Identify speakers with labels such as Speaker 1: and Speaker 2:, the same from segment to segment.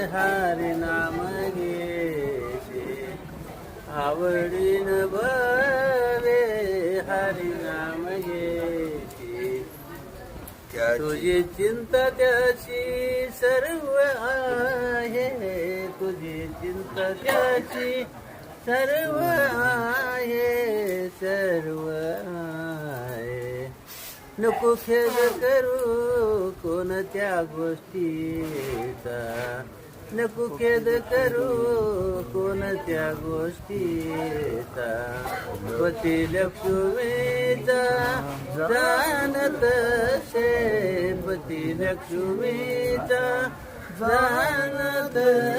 Speaker 1: हरी नाम घेते आवडीन भवे हरी नाम घेते तुझी चिंता त्याची सर्व आहे तुझी चिंता त्याची सर्व आहे सर्व आहे नको खेद करू कोणत्या गोष्टीचा नको खेद करू कोणत्या गोष्टीचा पती लक्ष्मीचा जाणत शे पती लक्ष्मीचा जाणत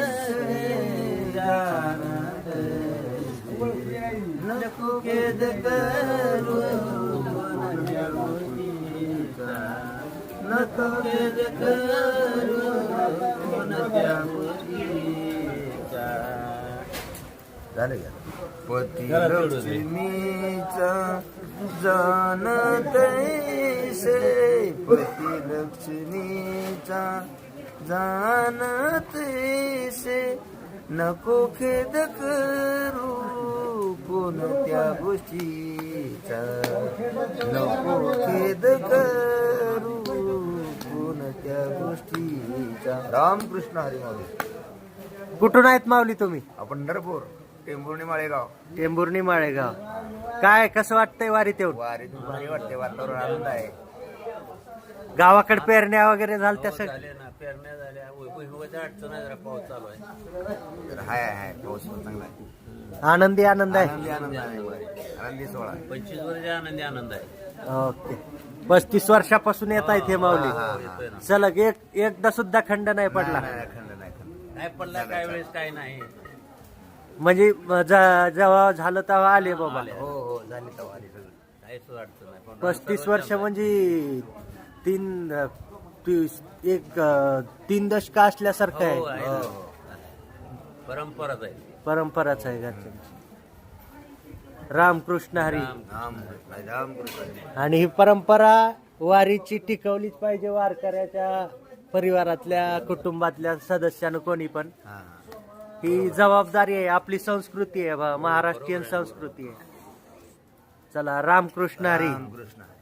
Speaker 1: जाणत नको खेद करू कोणत्या गोष्टीचा नको खेद करू कोणत्या गोष्टीचा
Speaker 2: झालं का पती लक्ष्मीचा जाणत से पती लक्ष्मीचा जाणत से नको खेद करू कोणत्या गोष्टीचा नको खेद करू कोणत्या गोष्टीचा. रामकृष्ण हरी माऊली.
Speaker 3: कुठून आहेत माऊली तुम्ही?
Speaker 2: आपण पंढरपूर टेंभुर्णी माळेगाव.
Speaker 3: टेंभुर्णी माळेगाव. काय कसं वाटतंय वारीत येऊन?
Speaker 2: वारीत भारी वाटते, वातावरण आनंद आहे.
Speaker 3: गावाकडे पेरण्या वगैरे झाल्या
Speaker 1: झाले ना पेरण्या झाल्या भुईमुगाची अडचण आहे जरा पाऊस चालू आहे
Speaker 2: तर हाय पाऊस पण चांगला आहे.
Speaker 3: आनंदी आनंद आहे.
Speaker 2: आनंदी आनंद आहे वारी. आनंदी सोहळा.
Speaker 1: 25 वर्ष आनंदी आनंद आहे
Speaker 3: ओके. 35 वर्षापासून येत आहेत हे माऊली.
Speaker 1: येतोय ना
Speaker 3: सलग एकदा सुद्धा खंड नाही पडला.
Speaker 2: नाही, खंड नाही खंड.
Speaker 1: काय पडला काय वेळेस काय नाही
Speaker 3: म्हणजे जेव्हा झालं तेव्हा आले बाबा.
Speaker 2: हो झाली तर वारी सगळं.
Speaker 1: काहीच अडचण नाही
Speaker 3: 35 वर्ष म्हणजे तीन दशक असल्यासारखं
Speaker 1: हो,
Speaker 3: आहे.
Speaker 1: आहे ना. परंपराच आहे
Speaker 3: परंपराच आहे घरच्या. रामकृष्ण हरी.
Speaker 2: रामकृष्ण.
Speaker 3: आणि ही परंपरा वारीची टिकवलीच पाहिजे. वारकऱ्याच्या परिवारातल्या कुटुंबातल्या सदस्यानं कोणी पण ही जबाबदारी आहे. आपली संस्कृती आहे महाराष्ट्रीयन संस्कृती आहे. चला रामकृष्ण हरी.
Speaker 2: रामकृष्ण.